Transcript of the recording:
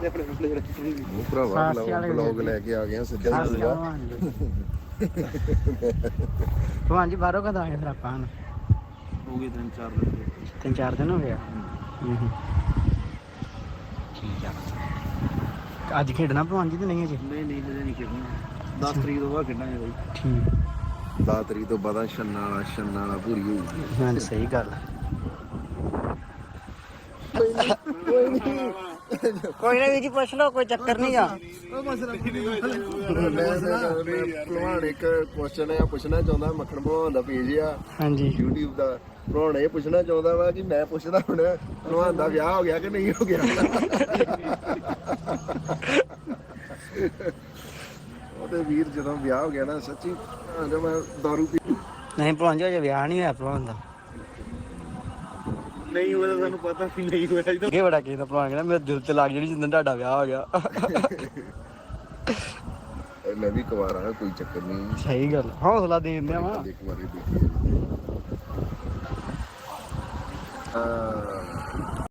ਉਹ ਭਰਾਵਾ ਬਲੌਗ ਲੈ ਕੇ ਆ ਗਿਆ ਸਿੱਧਾ ਸੀਗਾ। ਭਗਵਾਨ ਜੀ ਬਾਹਰੋਂ ਕਦੋਂ ਆਏ ਫਿਰ ਆਪਾਂ ਹੋ ਗਏ 3-4 ਦਿਨ ਹੋ ਗਏ। ਠੀਕ ਆ। ਅੱਜ ਖੇਡਣਾ ਭਗਵਾਨ ਜੀ ਤੇ ਨਹੀਂ ਅਜੇ? ਨਹੀਂ ਹਜੇ ਨਹੀਂ ਖੇਡਣਾ। 10 ਤਰੀਕ ਤੋਂ ਬਾਅਦ ਖੇਡਾਂਗੇ ਬਾਈ। ਠੀਕ 10 ਤਰੀਕ ਤੋਂ ਬਾਅਦ ਛੰਨਾ ਵਾਲਾ ਪੂਰੀ ਹੋਊਗੀ। ਹਾਂ ਸਹੀ ਗੱਲ ਹੈ। ਕੋਈ ਨਾ ਜੀ ਪੁੱਛ ਲਓ, ਕੋਈ ਚੱਕਰ ਨਹੀਂ ਆ। ਭਲਵਾਨ ਇੱਕ ਕੁਐਸਚਨ ਆ ਪੁੱਛਣਾ ਚਾਹੁੰਦਾ, ਮੱਖਣ ਭਲਵਾਨ ਦਾ ਪੇਜ ਆ ਹਾਂਜੀ YouTube ਦਾ। ਭਲਵਾਨ ਇਹ ਪੁੱਛਣਾ ਚਾਹੁੰਦਾ ਵਾ ਕਿ ਮੈਂ ਪੁੱਛਦਾ ਹੁਣ ਭਲਵਾਨ ਦਾ ਵਿਆਹ ਹੋ ਗਿਆ ਕਿ ਨਹੀਂ ਹੋ ਗਿਆ। ਉਹਦੇ ਵੀਰ ਜਦੋਂ ਵਿਆਹ ਹੋ ਗਿਆ ਨਾ ਸੱਚੀ ਜਦੋਂ ਮੈਂ ਦਾਰੂ ਪੀ ਨਹੀਂ ਭਲਵਾਨ ਜੀ ਅਜੇ ਵਿਆਹ ਨਹੀਂ ਹੋਇਆ ਭਲਵਾਨ ਦਾ। ਨਹੀਂ ਹੋਇਆ ਸਾਨੂੰ ਪਤਾ ਵੀ ਨਹੀਂ ਹੋਇਆ ਜੀ। ਇਹ ਬੜਾ ਕਿਸੇ ਭਲਵਾਨ ਕਹਿੰਦਾ ਮੇਰੇ ਦਿਲ ਤੇ ਲੱਗ ਜਿਹੜੀ ਜਿੱਦਣ ਤੁਹਾਡਾ ਵਿਆਹ ਹੋ ਗਿਆ। ਮੈਂ ਵੀ ਕੁਵਾਰਾ ਕੋਈ ਚੱਕਰ ਨਹੀਂ। ਸਹੀ ਗੱਲ ਹੌਸਲਾ ਦੇ ਦਿੰਦੇ ਆ ਵਾ। ਇੱਕ ਵਾਰੀ ਦੇਖੀ